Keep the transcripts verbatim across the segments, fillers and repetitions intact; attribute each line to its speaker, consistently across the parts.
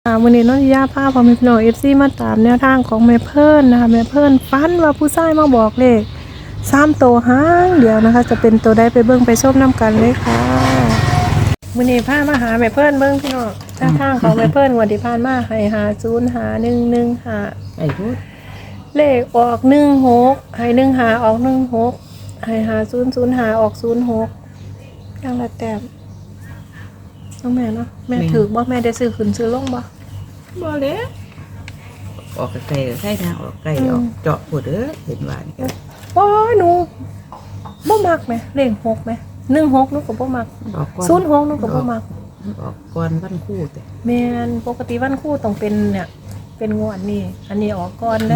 Speaker 1: วันนี้น้องย่าพาพอมีพี่น้องเอฟซีมาตามแนวทางของแม่เพิ่นนะคะแม่เพิ่นฟันว่าผู้ชายมาบอกเลขสามตัวหางเดียวนะคะจะเป็นตัวใดไปเบิ่งไปชมน้ำกันเลยค่ะวันนี้พามาหาแม่เพิ่นเบิ่งพี่น้องแนวทางของแม่เพิ่นวันที่ผ่านมาให้หาศูนย์หาหนึ่งหนึ่งหา
Speaker 2: ไอ้พูด
Speaker 1: เลขออกหนึ่งหกให้หนึ่งหาออกหนึ่งหกให้หาศูนย์ศูนย์หาออกศูนย์หกอย่างละแต้มน้องแม่เนาะแม่ถือบ่แม่ได้ซื้อขึ้นซื้อลงบ่
Speaker 2: บ่เลยออกไกลๆใช่นะออกไกลออกเจาะปวดเด้อเห็นว่านี่ก็
Speaker 1: โอ้ยหนูบ่มักไหมเลขหกไหมหนึ่งหกหนูก็บ่มัก
Speaker 2: ออกก่อน
Speaker 1: ศูนย์หกหนูก็บ่มัก
Speaker 2: ออกก่อนวันคู่แต่
Speaker 1: แม่นปกติวันคู่ต้องเป็นเนี่ยเป็นงวดนี่อันนี้ออกก่อนได้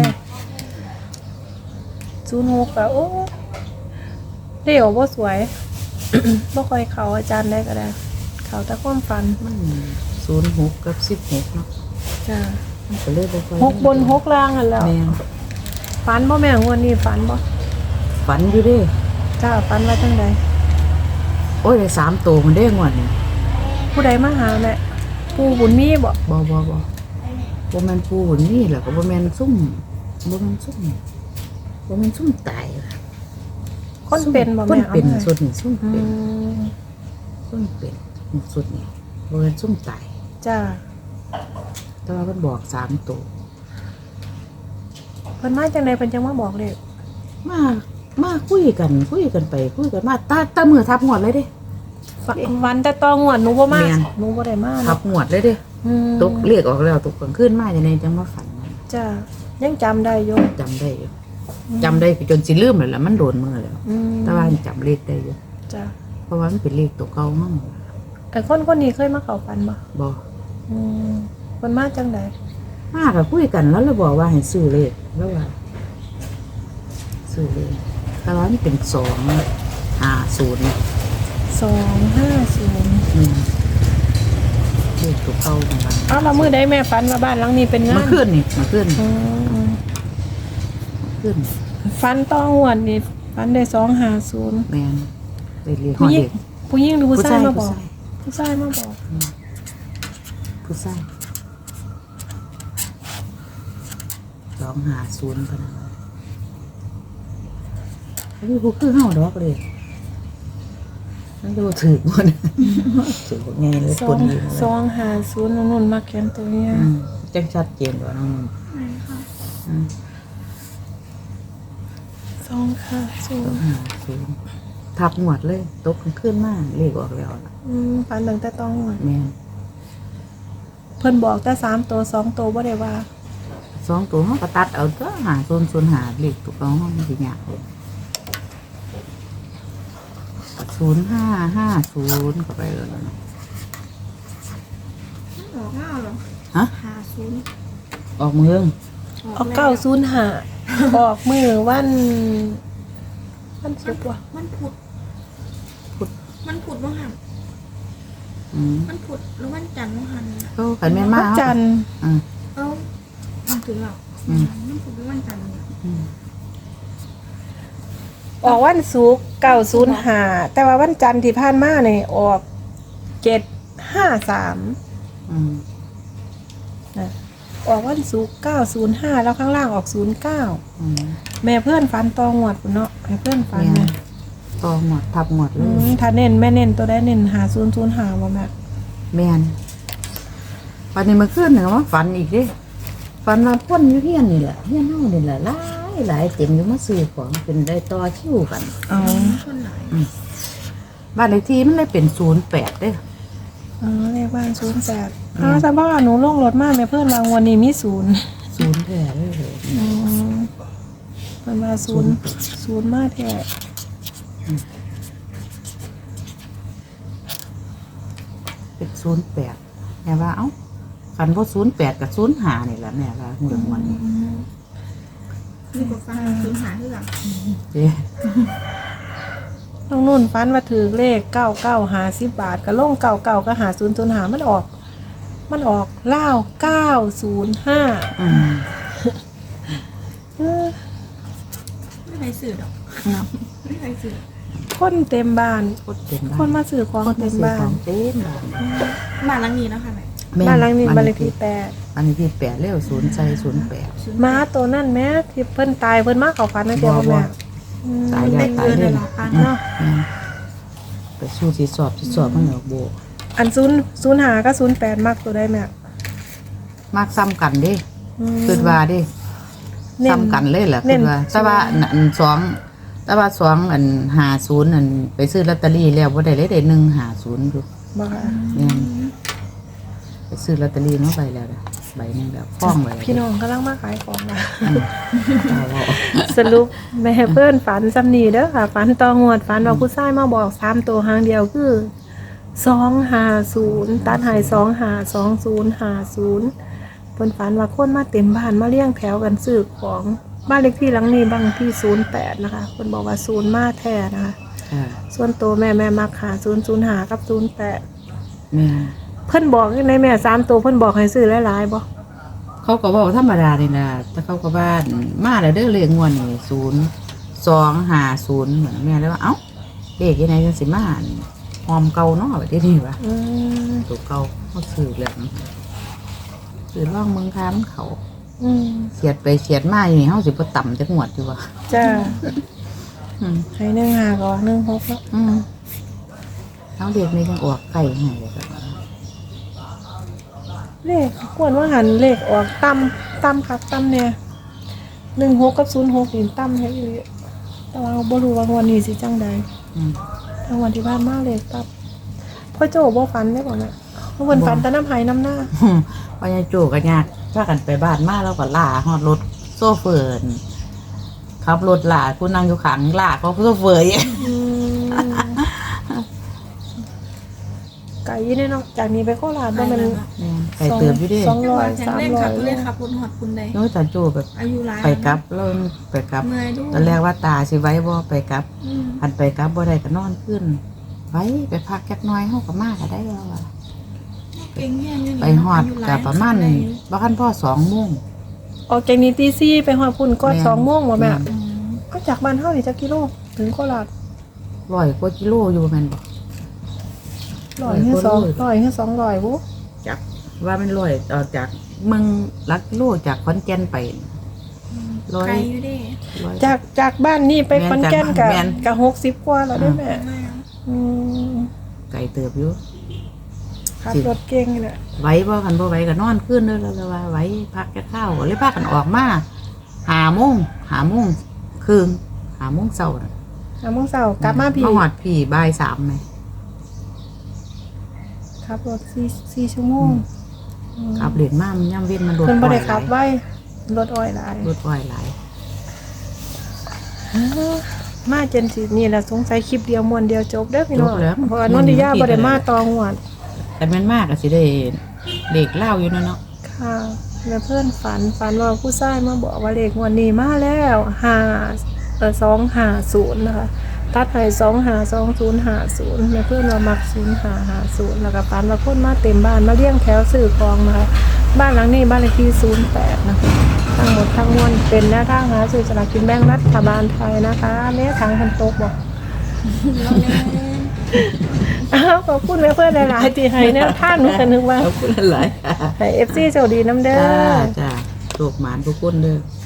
Speaker 1: ศูนย์หกก็โอ้เดี๋ยวบ่สวย บ่ค่อยเข้าอาจารย์ได้ก็ได้เข้าแต่ความฝัน
Speaker 2: มันศูนย์หกกับสิบหกเนาะ
Speaker 1: จ้า
Speaker 2: มันก็เลยบ่ค่อย
Speaker 1: หกบนหกล่างนั่นแหล้ว
Speaker 2: แม่น
Speaker 1: ฝันบ่แม่งวดนี้ฝันบ่
Speaker 2: ฝันอยู่เด้
Speaker 1: จ้าฝันว่าจังได
Speaker 2: โอ้ยได้สามตัวมันได้งวดนี่
Speaker 1: ผู้ใดมาหาแม่ปู่บุญมีบ่
Speaker 2: บ่บ่บ่บ่แม่นปูหุ่นนี่แหละก็บ่แม่นซุ่มบ่แม่นซุ่มบ่แม่นซุ่มตายล่ะ
Speaker 1: คนเป็นบ่
Speaker 2: ค
Speaker 1: แม่
Speaker 2: นเป็น
Speaker 1: อามา
Speaker 2: สุดนี่ซุ่ม
Speaker 1: อื
Speaker 2: เป็น
Speaker 1: ม
Speaker 2: ซุ่มเป็นสุดนี่บ่แม่นซุ่มตาย
Speaker 1: จ้า
Speaker 2: แต่ว่ามันบอกสามตัว
Speaker 1: เพิ่นมาจังไดเพิ่นจังมาบอกเลข
Speaker 2: มามาคุยกันคุยกันไปคุยกันมาตาตามือทับหวดเลยเด้
Speaker 1: ฝันวันแต่ตองวดหนูบ่มา
Speaker 2: แม่น
Speaker 1: หนูบ่ได้มา
Speaker 2: ทั
Speaker 1: เนาะ
Speaker 2: บหวดเลยเด้
Speaker 1: อืม
Speaker 2: ตกเรียกออกแล้วตกกลางคืนมาจะในจังมาฝัน
Speaker 1: จ้ายังจำได้อยู่
Speaker 2: จำได้อยู่จำได้จนสิลืมเลยล่ะมันโดนมือแล้ว
Speaker 1: อืม
Speaker 2: แต่ว่าจำเลขได้อยู่
Speaker 1: จ้า
Speaker 2: เพราะว่ามันเป็นเลขตัวเก่ามั่ง
Speaker 1: ไอ้คนคนนี้เคยมาเข้าฝันบ่
Speaker 2: บ่
Speaker 1: อืมเพิ่นมาจังได
Speaker 2: มาก็คุยกันแล้วเราบอกว่าให้ซื้อเลขแล้วว่าซื้อเลขแต่ว่ามันเป็นสองห้าศูนย์
Speaker 1: สองห้าศูนย์
Speaker 2: อืมเลขตัวเก่าของมัน
Speaker 1: อ้าวแล้วมื้อใดแม่ฝันว่าบ้านหลังนี้เป็นงา
Speaker 2: มาน ขึ้นนี่มาขึ้น
Speaker 1: อืม
Speaker 2: ขึ้น
Speaker 1: ฝันตองวดนี่ฝันได้สองห้าศูนย์
Speaker 2: แมนไปเรียนห
Speaker 1: ผู้
Speaker 2: อ
Speaker 1: หญิง
Speaker 2: เด็ก
Speaker 1: ผู้หญิงหรือผู้ชายมาบอก
Speaker 2: ผู้ชาย
Speaker 1: ผู้ชายมาบอก
Speaker 2: ผู้ชายสองหาศูนย์พนันแล้วมีผู้คือเฮาดอกเลยนั่นดูถือหมดถือไงเลย
Speaker 1: สอ
Speaker 2: ป
Speaker 1: ง
Speaker 2: นอยู่
Speaker 1: สองห้าศูนย์นุ่นๆมาแขนตัวเนี้ย
Speaker 2: อืมจังชัดเจนกว่าน้องนุ่นอืม
Speaker 1: สองห้าศู
Speaker 2: สอน ง
Speaker 1: ย์
Speaker 2: หาศูนย์ทับหมวดเลยตกขึ้นมากเลขออกแล้วล่ะ
Speaker 1: อืมฝันตั้งแต่ตองวด
Speaker 2: แม่น
Speaker 1: เพิ่นบอกแต่สามตัวสองตัวบ่ได้ว่า
Speaker 2: สองตัวเขาก็ตัดเอาตัวหาศูนย์ศูนย์หาเลขตัวเขามันสิยากเลยศูนย์ห้าห้าศูนย์ก็ไปเลยนะ
Speaker 3: ออกเงาเหรอ
Speaker 2: ฮะ
Speaker 3: หาศูนย์
Speaker 2: ออกเมือง
Speaker 1: ออกเก้าศูนย์ห้าออกมือวันวันศุกร์ว่ะ
Speaker 3: มันผุด
Speaker 2: พุด
Speaker 3: มันผุดว่างหัน
Speaker 2: อืม
Speaker 3: มันผุดแล้วมันจันทร์ว่างหันน่ะ
Speaker 2: ก็ขันแม่น
Speaker 1: วั
Speaker 2: มาน
Speaker 1: จันทร์
Speaker 2: อืม
Speaker 3: เอ้ามันถึงแล้ว
Speaker 2: อืม
Speaker 3: มันผุดแล้วมันจันทร์น่ะ
Speaker 2: อืม
Speaker 1: ออกวันศุกร์เก้าศูนย์ห้าแต่ว่าวันจันทร์ที่ผ่านมาเนี่ยออกเจ็ดห้าสาม
Speaker 2: อืม
Speaker 1: นะออกวันศุกร์เก้าศูนย์ห้าแล้วข้างล่างออกศูนย์เก้า
Speaker 2: อืม
Speaker 1: แม่เพื่อนฟันตองหวดพุ่นเนาะแม่เพื่อนฟัน
Speaker 2: แม่
Speaker 1: นะ
Speaker 2: ต่อหมดทับหมดเล
Speaker 1: อื
Speaker 2: ย
Speaker 1: มถ้าเน้นแม่เน้นตัวได้เน้นหาศูนย์ศูนย์หาว่าแม่
Speaker 2: แม่นวันนี้มาขึ้นหนึ่งว่าฝันอีกดิฝันว่าพ่นอยู่เฮียนนี่แหละเฮียนเฮานี่แหละหลายหลายเต็มอยู่มาซื้อของเป็นได้ต่อคิวกัน
Speaker 1: อ๋อ
Speaker 3: คนไหน
Speaker 2: บ้านเลขที่มันเลยเป็นศูนย์แปดเด้อ
Speaker 1: อ๋อเลขบ้านศูนย์แปดอ๋อแต่ว่าหนูลงรถมาแม่เพื่อนวางวันนี้มีศูนย์
Speaker 2: ศูนย์แท้เลยเลย
Speaker 1: อืมมันมาศูนย์ศูนย์มาแท้
Speaker 2: เป็นศูนย์แปดแม่ว่าเอ้าฝันว่าศูนย์แปดกับศูนย์หานี่แหละแม่ว่าเดือนวันนี้
Speaker 3: นี่ก็ฟังศูนย์หาเรื่อง
Speaker 2: เด้
Speaker 1: น้องนุ่นฟันว่าถือเลขเก้าเก้าหาสิบบาทก็ลงเก้าเก้าก็หาศูนย์ศูนย์หามันออก มันออกเล่าเก้าศูนย์ห้า
Speaker 2: อืม
Speaker 3: ไม่ใครสื่อดอกไม่ใครสื่อ
Speaker 1: คนเต็มบ้าน
Speaker 2: โคตรเต็มบ้าน
Speaker 1: คนมาซื้อของ
Speaker 2: คน
Speaker 1: เต็ม
Speaker 2: ซื้อ
Speaker 1: บ้า
Speaker 2: ขอน งเต็มบ้าน
Speaker 3: บ้านหลังนี้นะคะแม่
Speaker 2: แม่
Speaker 1: บ้านหลังนี้บ้านเลขที่แปด
Speaker 2: บ้านเลขที่แปดเร็วศูนย์ใจศูนย์แปด
Speaker 1: หมาตัวนั่นแม่ที่เพิ่นตายเพิ่นมาเข้าฝันนะเดียว
Speaker 2: บ่บ่
Speaker 1: แม่อืม
Speaker 2: ตายแล้ว
Speaker 3: ได้
Speaker 2: ตาย
Speaker 3: เกิน
Speaker 2: เล
Speaker 3: เลย ยเหรอคะ
Speaker 1: เนาะ
Speaker 2: แม่นไปสู้ที่สอบที่สอบมันเหนือโบ
Speaker 1: อันศูนย์ศูนย์หาก็ศูนย์แปดมักตัวได้แม่
Speaker 2: มากซ้ำกันเด้
Speaker 1: อืม
Speaker 2: คิดว่าเด้
Speaker 1: เน้น
Speaker 2: ซ้ำกันเลยแหละ
Speaker 1: เน้
Speaker 2: คิ
Speaker 1: น
Speaker 2: ดว่าแต่ว่าอันสองแต่ว่าสองอันหาศูนย์อันไปซื้อลอตเตอรี่แล้วบ่ได้เลยได้หนึ่งหาศูนย์อยู่
Speaker 1: บ่ค่ะ
Speaker 2: แม่นไปซื้อลอตเตอรี่มาใบแล้วนะใบหนึงแบบฟ้องไว้
Speaker 1: พี่น้องกำลังมาขายของนะ
Speaker 2: เอาเอา
Speaker 1: สรุปแม่เพิ่นฝันซ้ำนี่เด้อค่ะฝันตองวดฝันว่าผู้ชายมาบอกสามตัวหางเดียวคือสองห้าศูนย์ตัดใหายสองห้าสองศูนย์ห้าศูนย์เพิ่นฝันว่าคนมาเต็มบ้านมาเลี้ยงแถวกันซื้อของบ้านเลขที่หลังนี้บางที่ศูนย์แปดนะคะเพิ่นบอกว่าศูนย์มาแท้นะคะ
Speaker 2: อ่า
Speaker 1: ส่วนตัวแม่แม่มักหาศูนย์ศูนย์หากับศูนย์แปด
Speaker 2: แม่น
Speaker 1: เพิ่นบอกในแม่สามตัวเพิ่นบอกให้ซื้อหลายๆบ่
Speaker 2: เขาก็บอกธรรมดานี่นะแต่เขาก็บ้านมาแล้วเด้อเลขงวดนี่ศูนย์สองห้าศูนย์เหมือนแม่เลยว่าเอ้าเลขยังไงจังสิมาอั่นหอมเก่าเนาะแบบที่นี่วะ
Speaker 1: อืม
Speaker 2: ตัวเก่าเขาซื้อแล้วซื้อร่องเมืองค้ามันเขา
Speaker 1: อืม
Speaker 2: เสียดไปเสียดมาอยู่นี่เขาสิบ่ต่ำจักงวดอยู่วะ
Speaker 1: จ้า
Speaker 2: อืม
Speaker 1: ให้หนึ่งหาก็หนึ่งหกเนาะ
Speaker 2: อืมเขาเด็กนี่ยังออกไก่ให้เลยครับ
Speaker 1: เลขกวนว่าหันเลขออกต่ำต่ำครับต่ำเนี่ยหนึ่งหกกับศูนย์หกนี่ต่ำให้อยู่แต่ว่าบ่รู้ว่างวันนี้สิจังใด
Speaker 2: อืม
Speaker 1: ทางวันที่บ้านมาเลขต่ำพ่อโจ้บ่ฝันได้บ่แม่เพิ่นฝันแต่น้ำไหน้ำหน้า
Speaker 2: พญาโจกันยากพากันไปบ้านมาแล้วก็ล่าฮอดรถโซเฟอร์นขับรถล่าผู้นั่งอยู่ข้างล่าเขาโซเฟอร์อยู่
Speaker 1: อืมไก่ยี่เนี่ยเนาะจากนี้ไปโคราชบ่แม่น
Speaker 2: ไปเติมอยู่เดิ
Speaker 1: สองร้อย
Speaker 3: แข็ง
Speaker 1: สาม
Speaker 3: แรง
Speaker 1: ร้อ
Speaker 3: ขั
Speaker 1: ย
Speaker 3: บเลยขับรถหอดคุณใด
Speaker 2: น้อยตาโจแบบ
Speaker 3: อายุหลาย
Speaker 2: ไปกลับแล้วไปกลับ
Speaker 3: เมื่อยด้วย
Speaker 2: ตอนแรกว่าตาสิไว้บ่ไปกลับ
Speaker 3: อืม
Speaker 2: อันไปกลับบ่ได้ก็นอนขึ้น ไว้ไปพักจักหน้อยเฮาก็มาก็ได้แล้วอะ
Speaker 3: เก่งแย่อยู่นี่
Speaker 2: ไปฮอดก็ประมาณบ่คันพ่อสองโมง
Speaker 1: ออกจากนี้ตีสี่ไปฮอดพุ่นก่อน
Speaker 2: แม่น
Speaker 1: สองโมงบ่แม่
Speaker 2: แม่น
Speaker 3: อืม
Speaker 1: ก็จากบ้านเฮานี่จักกิโลถึงโคราช
Speaker 2: ร้อยกว่ากิโลอยู่แม่นบ่
Speaker 1: ร้อยหรือสอง
Speaker 2: ร้อยกว่าโล
Speaker 1: ร้อยหรือสองร้อยบุ
Speaker 2: จักว่ามันร้อยออกจากเมืองหลักกิโลจากขอนแก่นไปร้อย
Speaker 3: ไกลอยู่เดิ
Speaker 2: ร้อย
Speaker 1: จากจากบ้านนี่ไป
Speaker 2: แม่น
Speaker 1: ขอนแก่นกับ
Speaker 2: แม่น
Speaker 1: กับหกสิบกว่าแล้วได้แม่
Speaker 3: แม่
Speaker 1: อืม
Speaker 2: ไกลเติบอยู่
Speaker 1: ขับรถเก่งนี่แหละ
Speaker 2: ไว้บ่คันบ่ไว้ก็นอนขึ้นเด้อแล้วว่าไว้พักจะข้าวเลยพากันออกมาหาโมงหาโมงครึ่งหาโมงเช้าน่ะ
Speaker 1: อ่ะมึงเสาร์กลับมาพี่
Speaker 2: มาหอดพี่บ่ายสามไหม
Speaker 1: ขับรถสี่สี่ชั่วโมง
Speaker 2: ขับเหรียญมามันย่ำเว้นมันรถ
Speaker 1: เพิ่นบ่ได้
Speaker 2: อ้อยห
Speaker 1: ขั
Speaker 2: ลา
Speaker 1: บ
Speaker 2: ย
Speaker 1: ไว้รถอ้อยหลาย
Speaker 2: รถอ้อยหลาย
Speaker 1: อ้าวมาจนสินี่แหละสงสัยคลิปเดียวมวนเดียวจบเด้อพี่น้อง
Speaker 2: จบแล้ว
Speaker 1: เพราะว่านนทิยาบ่ได้มาตองวด
Speaker 2: แต่แม่นมากก็สิได้เด็กเล่าอยู่เนาะเนาะ
Speaker 1: ค่ะแม่เพื่อนฝันฝันว่าผู้ชายมาบอกว่าเลขงวันนี้มาแล้วห้าเออสองห้าศูนย์นะคะตัดให้สองห้าสองศูนย์ห้าศูนย์แม่เพื่อนว่ามักศูนย์ห้าห้าศูนย์แล้วก็ฝันว่าคนมาเต็มบ้านมาเลี้ยงแถวซื้อของนะคะบ้านหลังนี้บ้านเลขที่ศูนย์แปดนะคะทั้งหมดทั้งมวลเป็นแนวทางหาซื้อสลากกินแบ่งรัฐบาลไทยนะคะแม่ทางพันโตกบอก
Speaker 3: เราเล่น
Speaker 1: อ้าวขอบคุณแม่เพื่อนหลายๆที่ให้แนวทางหนูก็นึกว่า
Speaker 2: ขอบคุณหลายๆค่ะ
Speaker 1: ให้เอฟซีโชคดีน้ำเด้
Speaker 2: จ้า
Speaker 1: อ
Speaker 2: จ้าโชคหมานทุกคนเด้อ